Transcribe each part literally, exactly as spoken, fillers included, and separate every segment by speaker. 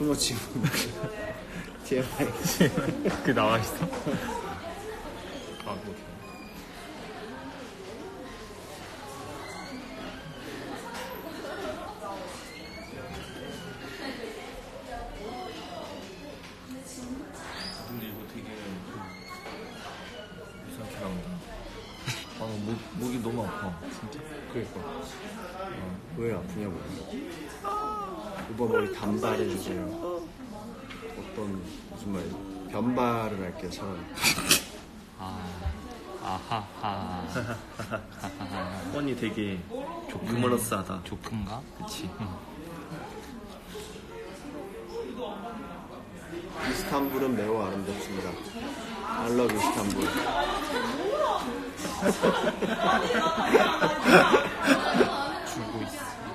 Speaker 1: 투머치 티엠아이.
Speaker 2: 그 나와 있어? 아, 뭐.
Speaker 3: 근데 이거 되게 이상하게 나온다. 아, 목, 목이 너무 아파. 진짜.
Speaker 1: 그러니까 어, 왜 아프냐고. 오빠 머리 단발해주세요. 어떤 무슨 말이야? 변발을 할게요 차라리.
Speaker 2: 아, 아하하.
Speaker 3: 뻔히 되게 유머러스하다.
Speaker 2: 조큰가? 그치. 응.
Speaker 1: 이스탄불은 매우 아름답습니다. I love 이스탄불.
Speaker 2: 줄고 있어.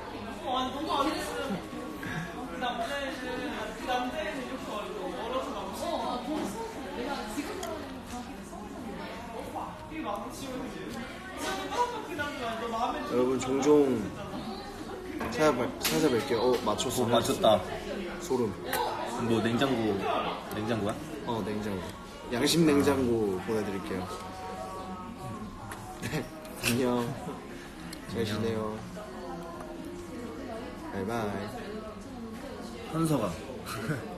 Speaker 1: 여러분 종종 찾아뵐, 찾아뵐게요. 어 맞췄어.
Speaker 3: 어, 맞췄다.
Speaker 1: 소름.
Speaker 3: 뭐 냉장고, 냉장고야?
Speaker 1: 어 냉장고. 양심 냉장고 보내드릴게요. 네 안녕. 잘 지내요. 바이바이.
Speaker 3: 현서가.